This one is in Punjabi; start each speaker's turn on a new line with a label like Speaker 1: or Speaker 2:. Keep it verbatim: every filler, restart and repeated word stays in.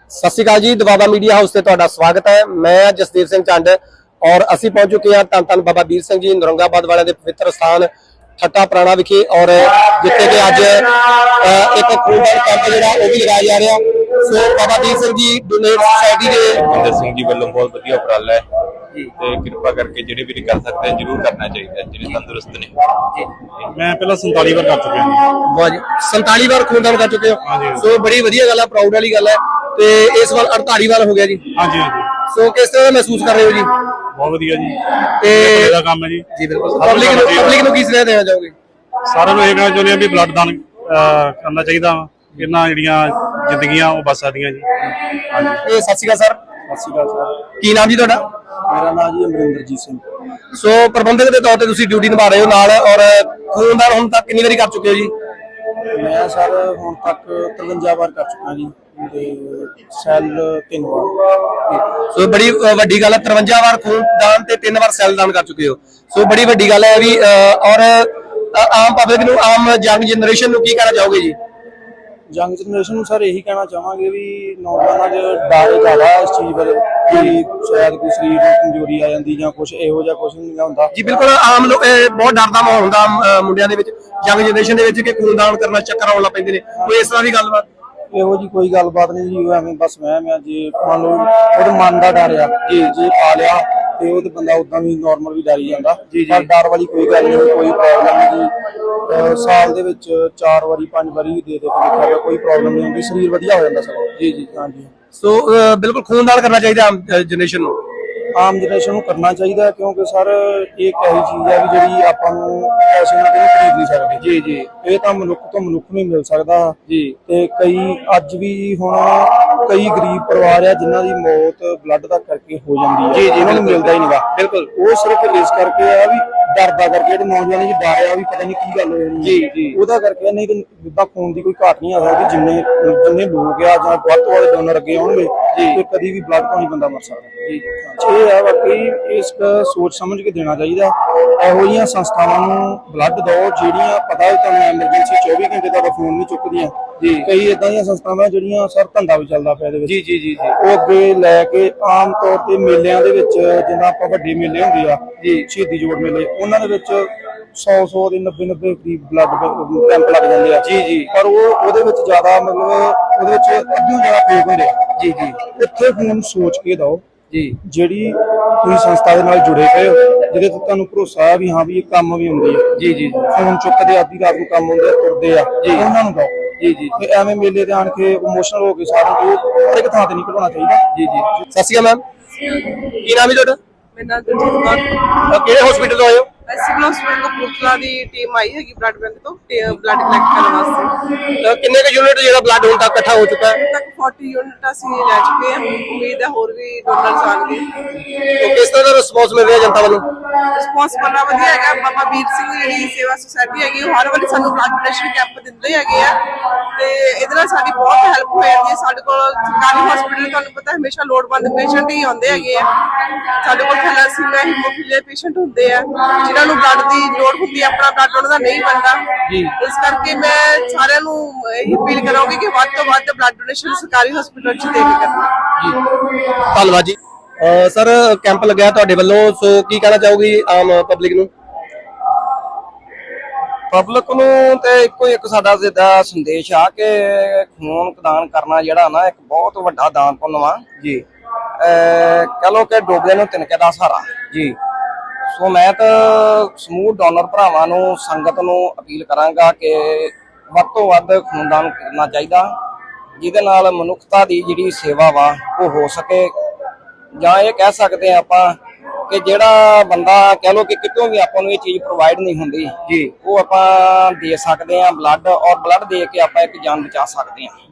Speaker 1: सत श्री अकाल जी, दबाबा मीडिया हाउस से तुहाडा स्वागत है। मैं जसदेव सिंह चंड और असी पहुंच चुके हैं धन धन बाबा वीर सिंह जी नौरंगाबाद वाले के पवित्र स्थान ठट्टा पुराना विखे और जिथे कि अज एक खूनदान कैंप जिहड़ा वो भी लगाया जा रहा। So Baba Veer Singh ji donate society के
Speaker 2: इंदर सिंह जी वालों बहुत वधिया उपराला है ते कृपा करके जिहड़े भी कर सकते हैं जरूर करना चाहिए जिहड़े तंदुरुस्त ने।
Speaker 3: मैं पहला संताली बार कर चुका हूं।
Speaker 1: वाह जी, संताली बार खूनदान कर चुके हो। सो बड़ी वधिया गल है, प्राउड वाली गल है। ते इस वाल अड़ताली वाल हो गया जी।
Speaker 3: हाँ जी, हाँ जी।
Speaker 1: सो किस तरह महसूस कर रहे हो जी?
Speaker 3: बहुत वधिया जी,
Speaker 1: ते
Speaker 3: बड़ा काम है जी।
Speaker 1: जी बिल्कुल। पब्लिक ਨੂੰ ਪਬਲਿਕ ਨੂੰ ਕੀ ਸੁਨੇਹਾ ਦੇਣਾ ਚਾਹੋਗੇ?
Speaker 3: ਸਾਰਿਆਂ ਨੂੰ ਇਹ ਕਹਿਣਾ ਚਾਹੁੰਦੇ ਆ ਵੀ ਬਲੱਡ ਦਾਨ ਕਰਨਾ ਚਾਹੀਦਾ। ਇਹਨਾਂ ਜਿਹੜੀਆਂ ਜ਼ਿੰਦਗੀਆਂ ਉਹ ਬਚ ਸਕਦੀਆਂ ਜੀ। ਹਾਂਜੀ।
Speaker 1: ਇਹ ਸਤਿ ਸ਼੍ਰੀ ਅਕਾਲ ਸਰ।
Speaker 3: ਸਤਿ ਸ਼੍ਰੀ ਅਕਾਲ ਸਰ।
Speaker 1: ਕੀ ਨਾਮ ਜੀ ਤੁਹਾਡਾ?
Speaker 3: ਮੇਰਾ ਨਾਮ ਜੀ ਅਮਰਿੰਦਰਜੀਤ ਸਿੰਘ।
Speaker 1: ਸੋ ਪ੍ਰਬੰਧਕ ਦੇ ਤੌਰ ਤੇ ਤੁਸੀਂ ਡਿਊਟੀ ਨਿਭਾ ਰਹੇ ਹੋ ਨਾਲ ਔਰ ਖੂਨਦਾਨ ਹੁਣ ਤੱਕ ਕਿੰਨੀ ਵਾਰੀ ਕਰ ਚੁੱਕੇ ਹੋ ਜੀ?
Speaker 4: ਮੈਂ ਸਰ ਹੁਣ ਤੱਕ ਤਰਵੰਜਾ ਵਾਰ ਕਰ ਚੁੱਕਾ ਜੀ ਤੇ ਸੈੱਲ ਤਿੰਨ ਵਾਰ।
Speaker 1: ਸੋ ਬੜੀ ਵੱਡੀ ਗੱਲ ਹੈ, ਤਰਵੰਜਾ ਵਾਰ ਖੂਨਦਾਨ ਤੇ ਤਿੰਨ ਵਾਰ ਸੈੱਲ ਦਾਨ ਕਰ ਚੁੱਕੇ ਹੋ। ਸੋ ਬੜੀ ਵੱਡੀ ਗੱਲ ਹੈ ਵੀ ਔਰ ਆਮ ਪਬਲਿਕ ਨੂੰ, ਆਮ ਯੰਗ ਜਨਰੇਸ਼ਨ ਨੂੰ ਕੀ ਕਹਿਣਾ ਚਾਹੋਗੇ ਜੀ?
Speaker 4: ਯੰਗ ਜਨਰੇਸ਼ਨ ਨੂੰ ਸਰ ਇਹੀ ਕਹਿਣਾ ਚਾਹਾਂਗੇ ਵੀ ਨੌਜਵਾਨਾਂ 'ਚ ਡਰ ਜ਼ਿਆਦਾ ਇਸ ਚੀਜ਼ ਬਾਰੇ ਕਿ ਸ਼ਾਇਦ ਕੋਈ ਸਰੀਰ ਨੂੰ ਕਮਜ਼ੋਰੀ ਆ ਜਾਂਦੀ ਜਾਂ ਕੁਝ ਇਹੋ ਜਿਹਾ ਕੁਝ ਨਹੀਂ ਹੁੰਦਾ
Speaker 1: ਜੀ। ਬਿਲਕੁਲ ਆਮ ਲੋਕ ਬਹੁਤ ਡਰ ਦਾ ਮਾਹੌਲ ਹੁੰਦਾ ਮੁੰਡਿਆਂ ਦੇ ਵਿੱਚ, ਯੰਗ ਜਨਰੇਸ਼ਨ ਦੇ ਵਿੱਚ ਕਿ ਖੂਨਦਾਨ ਕਰਨਾ ਚੱਕਰ ਆਉਣ ਲੱਗ ਪੈਂਦੇ ਨੇ। ਕੋਈ ਇਸ ਤਰ੍ਹਾਂ ਦੀ ਗੱਲਬਾਤ?
Speaker 4: ਇਹੋ ਜੀ ਕੋਈ ਗੱਲਬਾਤ ਨਹੀਂ ਜੀ। ਐਵੇਂ ਬਸ ਵਹਿਮ ਆ। ਜੇ ਮੰਨ ਲਓ ਉਹਦੇ ਮਨ ਦਾ ਡਰ ਆ ਕਿ ਜੇ ਪਾ ਲਿਆ ਤੇ ਉਹ ਤੇ ਬੰਦਾ ਉਦਾਂ ਵੀ ਨਾਰਮਲ ਵੀ ਡਰ ਹੀ ਜਾਂਦਾ। ਪਰ ਡਰ ਵਾਲੀ ਕੋਈ ਗੱਲ ਨਹੀਂ, ਕੋਈ ਪ੍ਰੋਬਲਮ ਨਹੀਂ ਜੀ। ਸਾਲ ਦੇ ਵਿੱਚ ਚਾਰ ਵਾਰੀ ਪੰਜ ਵਾਰੀ ਦੇ ਦੇ ਕੇ ਦੇਖਿਆ ਕੋਈ ਪ੍ਰੋਬਲਮ ਨਹੀਂ ਹੁੰਦੀ, ਸਰੀਰ ਵਧੀਆ ਹੋ ਜਾਂਦਾ ਸਗੋਂ। ਜੀ ਜੀ ਹਾਂਜੀ।
Speaker 1: ਸੋ ਬਿਲਕੁਲ ਖੂਨਦਾਨ ਕਰਨਾ ਚਾਹੀਦਾ ਆਮ ਜਨਰੇਸ਼ਨ ਨੂੰ।
Speaker 4: ਆਮ ਜਨਰੇਸ਼ਨ ਨੂੰ ਕਰਨਾ ਚਾਹੀਦਾ ਕਿਉਂਕਿ ਸਰ ਇਹ ਇੱਕ ਇਹੀ ਚੀਜ਼ ਹੈ ਵੀ ਜਿਹੜੀ ਆਪਾਂ ਨੂੰ ਪੈਸੇ ਨਾਲ ਕਦੇ ਖਰੀਦ ਨਹੀਂ ਸਕਦੇ।
Speaker 1: ਜੀ ਜੀ।
Speaker 4: ਇਹ ਤਾਂ ਮਨੁੱਖ ਤੋਂ ਮਨੁੱਖ ਨੂੰ ਹੀ ਮਿਲ ਸਕਦਾ
Speaker 1: ਜੀ।
Speaker 4: ਤੇ ਕਈ ਅੱਜ ਵੀ ਹੁਣ ਕਈ ਗਰੀਬ ਪਰਿਵਾਰ ਆ ਜਿਨ੍ਹਾਂ ਦੀ ਮੌਤ ਬਲੱਡ ਦਾ ਕਰਕੇ ਹੋ ਜਾਂਦੀ ਹੈ।
Speaker 1: ਜੀ ਜੀ।
Speaker 4: ਉਹਨਾਂ ਨੂੰ ਮਿਲਦਾ ਹੀ ਨਹੀਂਗਾ।
Speaker 1: ਬਿਲਕੁਲ।
Speaker 4: ਉਹ ਸਿਰਫ ਇਸ ਕਰਕੇ ਆ ਵੀ ਡਰਦਾ ਕਰਕੇ, ਜਿਹੜੇ ਨੌਜਵਾਨ ਜੀ ਡਰ ਆ ਵੀ ਪਤਾ ਨਹੀਂ ਕੀ ਗੱਲ ਹੋ ਜਾਣੀ।
Speaker 1: ਜੀ ਜੀ।
Speaker 4: ਉਹਦਾ ਕਰਕੇ ਨਹੀਂ ਤਾਂ ਜਿੱਦਾਂ ਖੂਨ ਦੀ ਕੋਈ ਘਾਟ ਨਹੀਂ ਆ ਸਕਦੀ। ਜਿੰਨੇ ਜਿੰਨੇ ਲੋਕ ਆ ਜਾਂ ਵੱਧ ਤੋਂ ਵੱਧ ਡੋਨਰ ਅੱਗੇ ਆਉਣਗੇ ਤੇ ਕਦੀ ਵੀ ਬਲੱਡ ਤੋਂ ਨਹੀਂ ਬੰਦਾ ਮਰ ਸਕਦਾ। ਜੀ ਇਹ ਆ ਵਾਕਈ ਇਸ ਸੋਚ ਸਮਝ ਕੇ ਦੇਣਾ ਚਾਹੀਦਾ। ਇਹੋ ਜਿਹੀਆਂ ਸੰਸਥਾਵਾਂ ਨੂੰ ਬਲੱਡ ਦਿਓ ਜਿਹੜੀਆਂ ਪਤਾ ਵੀ ਤੁਹਾਨੂੰ ਐਮਰਜੈਂਸੀ ਚੌਵੀ ਘੰਟੇ ਤੁਹਾਡਾ ਫੋਨ ਨਹੀਂ ਚੁੱਕਦੀਆਂ। ਜੀ। ਕਈ ਇਦਾਂ ਦੀਆਂ ਸੰਸਥਾਵਾਂ ਜਿਹੜੀਆਂ ਸਰ ਧੰਦਾ ਵੀ ਚੱਲਦਾ ਪਿਆ ਇਹਦੇ ਵਿੱਚ।
Speaker 1: ਜੀ ਜੀ ਜੀ।
Speaker 4: ਉਹ ਅੱਗੇ ਲੈ ਕੇ ਆਮ ਤੌਰ ਤੇ ਮੇਲਿਆਂ ਦੇ ਵਿੱਚ ਜਿੱਦਾਂ ਆਪਾਂ ਵੱਡੇ ਮੇਲੇ ਹੁੰਦੇ ਆ ਜੀ, ਸ਼ਹੀਦੀ ਜੋੜ ਮੇਲੇ, ਉਹਨਾਂ ਦੇ ਵਿੱਚ ਸੌ ਸੌ ਦੇ ਨੱਬੇ ਨੱਬੇ ਕਰੀਬ ਬਲੱਡ ਕੈਂਪ ਲੱਗ ਜਾਂਦੇ ਆ। ਜੀ ਜੀ। ਪਰ ਉਹ ਉਹਦੇ ਵਿੱਚ ਜ਼ਿਆਦਾ ਮਤਲਬ ਉਹਦੇ ਵਿੱਚ ਅੱਧਿਓਂ ਜ਼ਿਆਦਾ ਫੇਕ ਹੁੰਦੇ ਆ। ਜੀ ਜੀ। ਇੱਥੇ ਫੋਨ ਸੋਚ ਕੇ ਦਿਓ ਜੀ, ਜਿਹੜੀ ਤੁਸੀਂ ਸੰਸਥਾ ਦੇ ਨਾਲ ਜੁੜੇ ਪਏ ਹੋ, ਜਿਹਦੇ ਤੇ ਤੁਹਾਨੂੰ ਭਰੋਸਾ ਹੈ ਵੀ ਹਾਂ ਵੀ ਇਹ ਕੰਮ ਵੀ ਹੁੰਦੀ ਹੈ। ਜੀ ਜੀ। ਫੋਨ ਚੁੱਕਦੇ ਆਦੀ ਰਾਤ ਨੂੰ ਕੰਮ ਹੁੰਦੇ ਤੁਰਦੇ ਆ ਜੀ, ਉਹਨਾਂ ਨੂੰ ਦਿਓ। ਜੀ ਜੀ। ਤੇ ਐਵੇਂ ਮੇਲੇ ਤੇ ਆਣ ਕੇ ਇਮੋਸ਼ਨਲ ਹੋ ਕੇ ਸਾਰਿਆਂ ਨੂੰ ਹਰ ਇੱਕ ਥਾਂ ਤੇ ਨਹੀਂ ਘਟਾਉਣਾ ਚਾਹੀਦਾ। ਜੀ ਜੀ।
Speaker 1: ਸਤਿ ਸ਼੍ਰੀ ਅਕਾਲ ਮੈਮ, ਕੀ ਨਾਮ ਹੈ ਤੁਹਾਡਾ?
Speaker 5: ਮੇਰਾ ਨਾਮ ਦਲਜੀਤ ਕੌਰ।
Speaker 1: ਕਿਹੜੇ ਹਸਪੀਟਲ ਤੋਂ ਆਏ ਹੋ?
Speaker 5: ਸਿਵਲ ਹਸਪੀਟਲ ਕਪੂਰਥਲਾ ਦੀ ਟੀਮ ਆਈ ਹੈਗੀ ਬਲੱਡ ਬੈਂਕ ਤੋਂ ਬਲੱਡ ਕਲੈਕਟ ਕਰਨ ਵਾਸਤੇ।
Speaker 1: ਕਿੰਨੇ ਕੁ ਯੂਨਿਟ ਜਿਹੜਾ ਬਲੱਡ ਹੁਣ ਤੱਕ ਇਕੱਠਾ ਹੋ ਚੁੱਕਾ ਹੈ?
Speaker 5: ਹੁਣ ਤੱਕ ਚਾਲੀ ਯੂਨਿਟ ਅਸੀਂ ਲੈ ਚੁੱਕੇ ਹਾਂ। ਉਮੀਦ ਹੈ ਹੋਰ ਵੀ ਡੋਨਰਸ ਆਉਣਗੇ।
Speaker 1: ਤੇ ਕਿਸ ਤਰ੍ਹਾਂ ਦਾ ਰਿਸਪੌਂਸ ਮਿਲ ਰਿਹਾ ਜਨਤਾ ਵੱਲੋਂ?
Speaker 5: ਰਿਸਪੌਂਸ ਬੜਾ ਵਧੀਆ ਹੈਗਾ। ਬਾਬਾ ਵੀਰ ਸਿੰਘ ਜਿਹੜੀ ਸੇਵਾ ਸੁਸਾਇਟੀ ਹੈਗੀ ਉਹ ਹਰ ਵਾਰੀ ਸਾਨੂੰ ਬਲੱਡ ਡੋਨੇਸ਼ਨ ਕੈਂਪ ਦਿੰਦੇ ਹੈਗੇ ਆ ਤੇ ਇਹਦੇ ਨਾਲ ਸਾਡੀ ਬਹੁਤ ਹੈਲਪ ਹੋ ਜਾਂਦੀ ਹੈ। ਸਾਡੇ ਕੋਲ ਸਰਕਾਰੀ ਹਸਪੀਟਲ ਤੁਹਾਨੂੰ ਪਤਾ ਹਮੇਸ਼ਾ ਲੋੜਵੰਦ ਪੇਸ਼ੈਂਟ ਹੀ ਆਉਂਦੇ ਹੈਗੇ ਆ। ਸਾਡੇ ਕੋਲ ਥੈਲੇਸੀਮੀਆ ਹੀਮੋਫੀਲੀਆ ਪੇਸ਼ੈਂਟ ਹੁੰਦੇ ਆ ਜਿਨ੍ਹਾਂ ਨੂੰ ਬਲੱਡ ਦੀ ਲੋੜ ਹੁੰਦੀ ਹੈ, ਆਪਣਾ ਬਲੱਡ ਉਹਨਾਂ ਦਾ ਨਹੀਂ ਬਣਦਾ। ਇਸ ਕਰਕੇ ਮੈਂ ਸਾਰਿਆਂ ਨੂੰ ਇਹ ਅਪੀਲ ਕਰਾਂਗੀ ਕਿ ਵੱਧ ਤੋਂ ਵੱਧ ਬਲੱਡ ਡੋਨੇਸ਼ਨ ਸਰਕਾਰੀ ਹਸਪੀਟਲ 'ਚ ਦੇ ਕੇ ਕਰਨਾ।
Speaker 1: ਜੀ ਧੰਨਵਾਦ ਜੀ। ਸਰ ਕੈਂਪ ਲੱਗਿਆ ਤੁਹਾਡੇ ਵੱਲੋਂ, ਸੋ ਕੀ ਕਹਿਣਾ ਚਾਹੋਗੇ ਆਮ ਪਬਲਿਕ ਨੂੰ?
Speaker 6: ਪਬਲਿਕ ਨੂੰ ਤੇ ਇੱਕੋ ਇੱਕ ਸਾਡਾ ਸਿੱਧਾ ਸੰਦੇਸ਼ ਆ ਕਿ ਖੂਨ ਦਾਨ ਕਰਨਾ ਜਿਹੜਾ ਨਾ ਇੱਕ ਬਹੁਤ ਵੱਡਾ ਦਾਨ ਪੁੰਨ ਵਾ ਜੀ। ਕਹ ਲੋ ਕਿ ਡੋਬੇ ਨੂੰ ਤਿਨਕੇ ਦਾ ਸਹਾਰਾ ਜੀ। ਸੋ ਮੈਂ ਤਾਂ ਸਮੂਹ ਡੋਨਰ ਭਰਾਵਾਂ ਨੂੰ, ਸੰਗਤ ਨੂੰ ਅਪੀਲ ਕਰਾਂਗਾ ਕਿ ਵੱਧ ਤੋਂ ਵੱਧ ਖੂਨਦਾਨ ਕਰਨਾ ਚਾਹੀਦਾ, ਜਿਹਦੇ ਨਾਲ ਮਨੁੱਖਤਾ ਦੀ ਜਿਹੜੀ ਸੇਵਾ ਵਾ ਉਹ ਹੋ ਸਕੇ। ਜਾਂ ਇਹ ਕਹਿ ਸਕਦੇ ਆ ਆਪਾਂ ਕਿ ਜਿਹੜਾ ਬੰਦਾ ਕਹਿ ਲੋ ਕਿ ਕਿਤੋਂ ਵੀ ਆਪਾਂ ਨੂੰ ਇਹ ਚੀਜ਼ ਪ੍ਰੋਵਾਈਡ ਨਹੀਂ ਹੁੰਦੀ ਜੀ, ਉਹ ਆਪਾਂ ਦੇ ਸਕਦੇ ਆ ਬਲੱਡ, ਔਰ ਬਲੱਡ ਦੇ ਕੇ ਆਪਾਂ ਇੱਕ ਜਾਨ ਬਚਾ ਸਕਦੇ ਆ।